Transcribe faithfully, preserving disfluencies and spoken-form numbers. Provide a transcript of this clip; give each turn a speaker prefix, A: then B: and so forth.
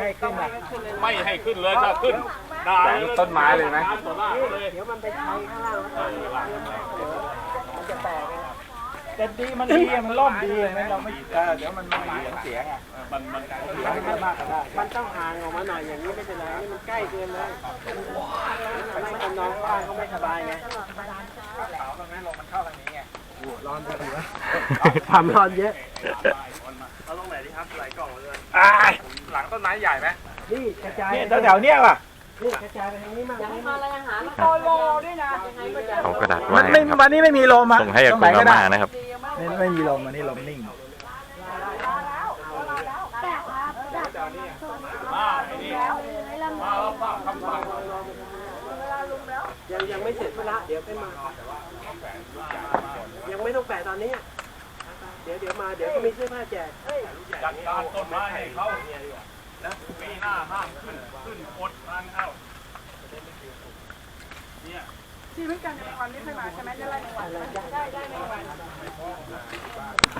A: ให้ขึ้นนะ
B: ไม่ให้ขึ้นเลยถ้าขึ้นได้ต้นไม้เลยไหมเดี๋ยวมันไปใช้ข้างล่างมันจะแตกแต่ดีมันดีมันล่มดีไหมเราไม่เดี๋ยวมันไม่มีเสียงอ่ะมันมันมันมากก็ได้มันต้องห่างออกมาหน่อยอย่างนี้ไม่เป็นไรนี่มันใกล้เกินเลยไม่ต้องน้องบ้านเขาไม่สบายไงขาวตรงนั้นลงมันเข้าทางนี้ไงร้อนจะดีวะทำร้อนเยอะเอาลงไหนดีครับไหลกล่องเลยหลังต้นไม้ใหญ่ไหมนี่กระจายเนี่ยแถวๆเนี้ยว่ะนี่กระจายไปทางนี้มั่งนี่มาอะไรอาหารโตโลด้วยนะ
C: เอากระดาษ
A: มัน
C: ไว้
A: ไม่
C: ครับ
A: วันนี้ไม่มีลมอ่ะ
C: ส่งให้กับคุณอาม่านะครับ
A: ไม่ไม่มีลมอันนี้ลมนิ่งยังยังไม่เสร็จละเดี๋ยวไปมายังไม่ต้องแปะตอนนี้เดี๋ยวเดี๋ยวมาเดี๋ยวก็มีเสื้อผ้าแจกจัดการต้นไม้ให้เขานะปีหน้าห้ามขึ้นขึ้นอดทานเข้าเนี่ยชีวิตการในวันนี้ไม่มาใช่ไหมจะไล่ในวันได้ได้ในวัน